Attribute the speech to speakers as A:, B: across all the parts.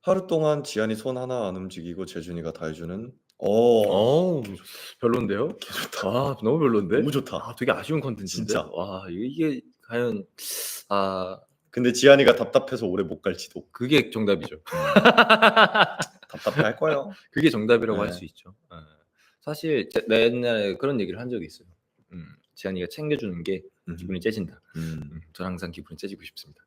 A: 하루 동안 지한이 손 하나 안 움직이고 재준이가 다 해주는.
B: 어우 별론데요?
A: 개 좋다.
B: 아 너무 별론데?
A: 너무 좋다.
B: 아 되게 아쉬운 컨텐츠인데?
A: 진짜.
B: 와 이게 과연
A: 근데 지한이가 답답해서 오래 못 갈지도.
B: 그게 정답이죠.
A: 답답해 할 거예요.
B: 그게 정답이라고 할
A: 네.
B: 수 있죠. 사실 나 옛날에 그런 얘기를 한 적이 있어요. 지한이가 챙겨주는 게 기분이 째진다. 저는 항상 기분이 째지고 싶습니다.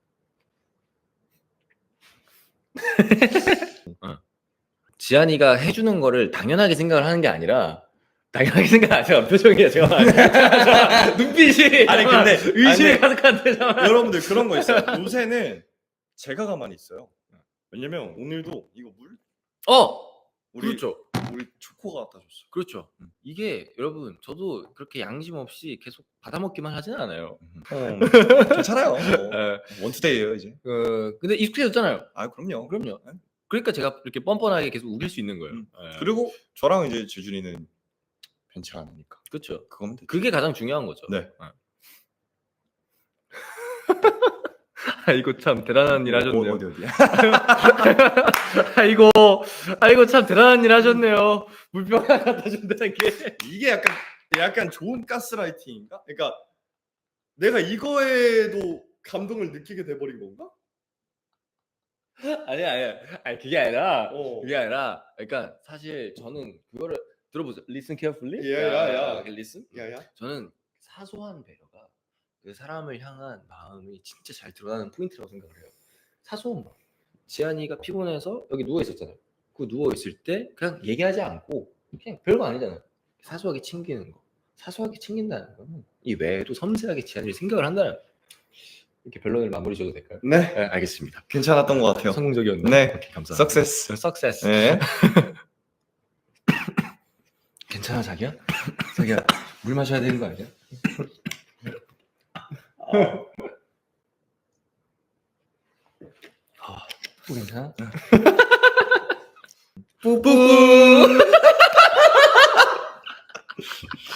B: 지한이가 해주는 거를 당연하게 생각을 하는 게 아니라 당연하게 생각 안 해요. 표정이에요. 제가 눈빛이
A: 아니, 근데
B: 의심이
A: 아니,
B: 가득한데 잠깐만.
A: 여러분들 그런 거 있어요. 요새는 제가 가만히 있어요. 왜냐면 오늘도 이거 물
B: 그렇죠.
A: 우리 초코가 갖다 줬어.
B: 그렇죠. 이게 여러분 저도 그렇게 양심 없이 계속 받아먹기만 하진 않아요.
A: 괜찮아요.
B: 예.
A: 원투데이예요 이제.
B: 근데 익숙해졌잖아요.
A: 아 그럼요.
B: 그럼요. 그러니까 제가 이렇게 뻔뻔하게 계속 우길 수 있는 거예요. 예.
A: 그리고 저랑 이제 재준이는 변치 않으니까.
B: 그렇죠.
A: 그거면 되죠.
B: 그게 가장 중요한 거죠.
A: 네.
B: 아이고 참 대단한 일 하셨네요.
A: 어디야?
B: 아이고 참 대단한 일 하셨네요. 물병 하나 갖다 준다는 게.
A: 이게 약간 좋은 가스라이팅인가? 그러니까 내가 이거에도 감동을 느끼게 돼버린 건가?
B: 아니 그게 아니라 그러니까 사실 저는 그거를 들어보세요. Listen carefully.
A: 야.
B: Listen.
A: 야야.
B: 저는 사소한 배려가 그 사람을 향한 마음이 진짜 잘 드러나는 포인트라고 생각을 해요. 사소한 마음. 지한이가 피곤해서 여기 누워 있었잖아요. 그 누워 있을 때 그냥 얘기하지 않고 그냥 별거 아니잖아요. 사소하게 챙기는 거. 사소하게 챙긴다는 거는 이 외에도 섬세하게 지한이를 생각을 한다는. 이렇게 변론을 마무리 줘도 될까요?
A: 네.
B: 네, 알겠습니다.
A: 괜찮았던 것 같아요.
B: 성공적이었나요?
A: 네.
B: 오케이, 감사합니다.
A: 석세스. 네.
B: 괜찮아 자기야? 자기야 물 마셔야 되는 거 아니야? 또 괜찮아?
A: 뿌뿌.